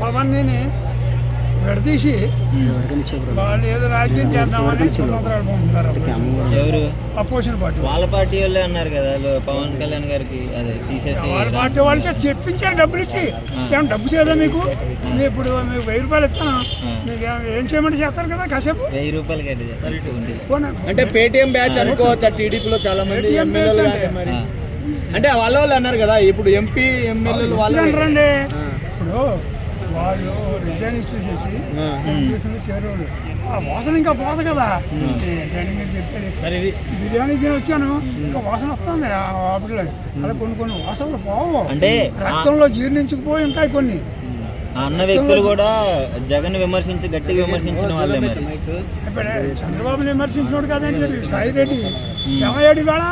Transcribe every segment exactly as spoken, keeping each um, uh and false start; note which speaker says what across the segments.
Speaker 1: పవన్ని విడదీసి వాళ్ళు ఏదో రాజకీయం చేద్దామని సంవత్సరాలు పంపుతున్నారు.
Speaker 2: ఎవరు
Speaker 1: అపోజిషన్ పార్టీ
Speaker 2: వాళ్ళ పార్టీ వాళ్ళే అన్నారు కదా పవన్ కళ్యాణ్ గారికి అదే తీసేసి
Speaker 1: వాళ్ళ పార్టీ వాళ్ళు చెప్పించారు డబ్బులు ఇచ్చి. ఏమన్నా డబ్బు చేయదా మీకు? మీరు ఇప్పుడు మీకు వెయ్యి రూపాయలు ఇస్తాను, మీకు ఏం చేయమంటే చేస్తారు కదా కాసేపు.
Speaker 2: వెయ్యి రూపాయలు కట్టి చేస్తారు
Speaker 3: అంటే పేటిఎం బ్యాచ్ అనుకోవచ్చు. టీడీపీలో చాలా మంది ఎమ్మెల్యేలు మరి అంటే వాళ్ళ వాళ్ళు అన్నారు కదా, ఇప్పుడు ఎంపీ ఎమ్మెల్యేలు వాళ్ళు
Speaker 1: అంటారండి. ఇప్పుడు వాళ్ళు రిజైన్ ఇచ్చేసేసి చేరేవాళ్ళు ఆ వాసన ఇంకా పోదు కదా. దాన్ని మీరు చెప్పేది బిర్యానీ తిని వచ్చాను, ఇంకా వాసన వస్తుంది ఆ వాటిలో. అలా కొన్ని కొన్ని వాసనలు పోవు,
Speaker 2: అంటే
Speaker 1: రక్తంలో జీర్ణించుకుపోయి ఉంటాయి కొన్ని.
Speaker 2: అన్న వ్యక్తులు కూడా జగన్ విమర్శించి గట్టిగా విమర్శించిన వాళ్ళే. మరి
Speaker 1: ఇప్పుడు చంద్రబాబుని విమర్శించినోడు కదండి సాయి రెడ్డి. ఏమయ్యాడు ఇవాళ?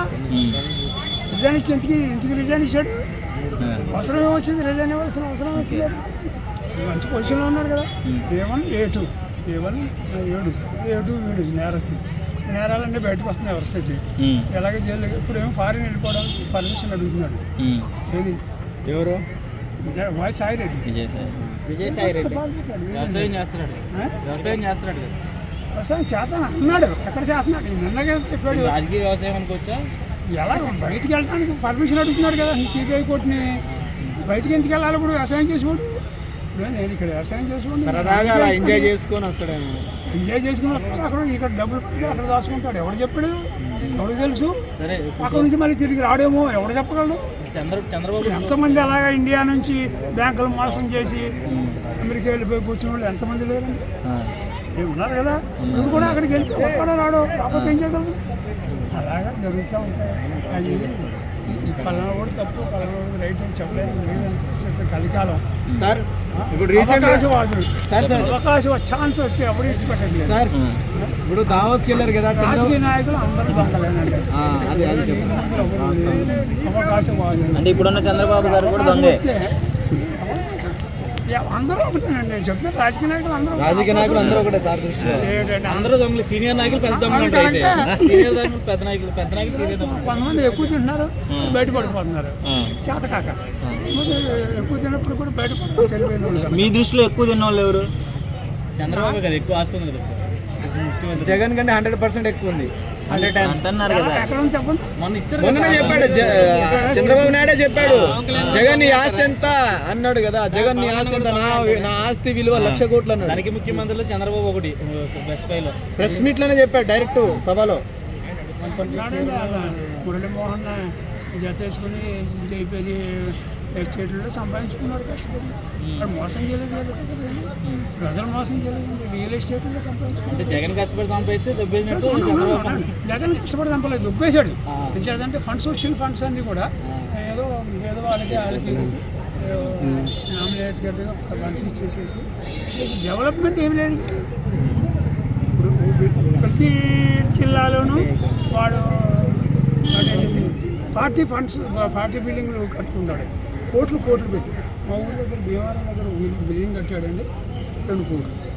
Speaker 1: రిజైన్ ఇచ్చి ఇంటికి ఇంటికి రిజైన్ ఇచ్చాడు. అవసరం ఏమొచ్చింది? రిజైన్ ఇవ్వాల్సిన అవసరం వచ్చింది. మంచి పొజిషన్లో ఉన్నాడు కదా. A one A two A one ఏడు ఏ టూ వీడు నేరస్తుడు. నేరాలన్నీ బయటకు వస్తున్నాయి వరుసకి. ఎలాగే జైలు ఇప్పుడు ఏమో ఫారిన్ వెళ్ళిపోవడానికి పర్మిషన్ అడుగుతున్నాడు. ఏది
Speaker 3: ఎవరు?
Speaker 1: వాయి సాయి రెడ్డి.
Speaker 2: విజయసాయి
Speaker 3: విజయసాయి రెడ్డి వ్యవసాయం చేస్తున్నాడు. వ్యవసాయం చేస్తున్నాడు
Speaker 1: వ్యవసాయం చేస్తాను అన్నాడు. ఎక్కడ చేస్తున్నాడు? నిన్నగా చెప్పాడు.
Speaker 3: రాజకీయ వ్యవసాయం అనుకోవచ్చా?
Speaker 1: ఎలా బయటికి వెళ్ళడానికి పర్మిషన్ అడుగుతున్నాడు కదా సిబిఐ కోర్టుని. బయటికి ఎందుకు వెళ్ళాలి ఇప్పుడు వ్యవసాయం చేసుకోడు? నేను ఇక్కడ వ్యవసాయం చేసుకోండి,
Speaker 3: ఎంజాయ్ చేసుకొని వస్తాడేమో.
Speaker 1: ఎంజాయ్ చేసుకుని వస్తాడు. అక్కడ ఇక్కడ డబ్బులు పెట్టి అక్కడ దాచుకుంటాడు. ఎవడు చెప్పాడు? ఎవడు తెలుసు? అక్కడ నుంచి మళ్ళీ తిరిగి రాడేమో, ఎవడు చెప్పగలడు?
Speaker 3: చంద్రబాబు
Speaker 1: ఎంతమంది అలాగా ఇండియా నుంచి బ్యాంకులు మోసం చేసి అమెరికా వెళ్ళిపోయి కూర్చున్న వాళ్ళు ఎంతమంది లేరండి? ఉన్నారు కదా. ఇప్పుడు కూడా అక్కడికి వెళ్తే వస్తాడో రాడో, రాకపోతే ఏం చేయగలరు? అలాగా జరుగుతూ ఉంటాయి. అది ఈ పలానా కూడా తప్పు, పలానా కూడా రైట్ అని చెప్పలేదు. లేదని కలికాలం
Speaker 3: సార్. ఇప్పుడు
Speaker 1: అవకాశవాదులు అవకాశం ఛాన్స్ వస్తే ఎవరు ఇచ్చిపెట్టట్లేదు
Speaker 3: సార్. ఇప్పుడు దావోస్కి వెళ్ళారు కదా
Speaker 1: రాజకీయ నాయకులు అందరూ దొంగలేనండి. అవకాశవాదులు
Speaker 2: అంటే ఇప్పుడున్న చంద్రబాబు గారు కూడా దొంగే.
Speaker 1: అందరూ ఒకటేనండి. నేను చెప్తాను రాజకీయ నాయకులు అందరూ
Speaker 3: రాజకీయ నాయకులు అందరూ ఒకటే సార్ దృష్టిలో. అందరూ దొంగలు. సీనియర్ నాయకులు పెద్ద దొంగలు ఉంటాయి. సీనియర్ నాయకులు పెద్ద నాయకులు పెద్ద నాయకులు సీనియర్
Speaker 1: కొంతమంది ఎక్కువ తింటున్నారు, బయటపడిపోతున్నారు చేతకాక. ఎక్కువ తిన్నప్పుడు కూడా బయటపడుతున్నారు తెలివైన వాళ్ళు.
Speaker 2: మీ దృష్టిలో ఎక్కువ తిన్న వాళ్ళు ఎవరు?
Speaker 3: చంద్రబాబు కదా ఎక్కువ ఆస్తుంది కదా. జగన్ కంటే హండ్రెడ్ పర్సెంట్ ఎక్కువ ఉంది.
Speaker 2: అంటున్నారు కదా.
Speaker 3: మొన్ననే చెప్పాడు చంద్రబాబు నాయుడే చెప్పాడు, జగన్ నీ ఆస్తి ఎంత అన్నాడు కదా. జగన్ నీ ఆస్తి ఎంత? నా నా ఆస్తి విలువ లక్ష కోట్లు అన్నాడు. దానికి ముఖ్యమంత్రిలో చంద్రబాబు ఒకటి ప్రెస్ మీట్ లోనే చెప్పాడు డైరెక్ట్ సభలో.
Speaker 1: మురళీమోహన్ జత వేసుకుని జైపేరి ఎస్టేట్లో సంపాదించుకున్నాడు కష్టపడి. వాడు మోసం చేయలేదు కదా, ప్రజలు మోసం చేయలేదు. రియల్ ఎస్టేట్లో సంపాదించుకున్నాడు.
Speaker 3: జగన్ కష్టపడి సంపాదిస్తే దొబ్బేసినట్టు.
Speaker 1: జగన్ కష్టపడి సంపాలేదు, దొబ్బేశాడు. ఎందుకంటే ఫండ్స్ వచ్చిన ఫండ్స్ అన్నీ కూడా ఏదో ఏదో వాళ్ళకి వాళ్ళకి నామినేట్ గడ్డగా ఫండ్స్ ఇచ్చేసేసి డెవలప్మెంట్ ఏం లేదు. ఇప్పుడు ప్రతి జిల్లాలోనూ వాడు పార్టీ ఫండ్స్ పార్టీ బిల్డింగ్లు కట్టుకుంటాడు. కోట్లు కోట్లు పెట్టి మా ఊరి దగ్గర భీమవరం దగ్గర బిల్డింగ్ కట్టాడండి రెండు కోట్లు.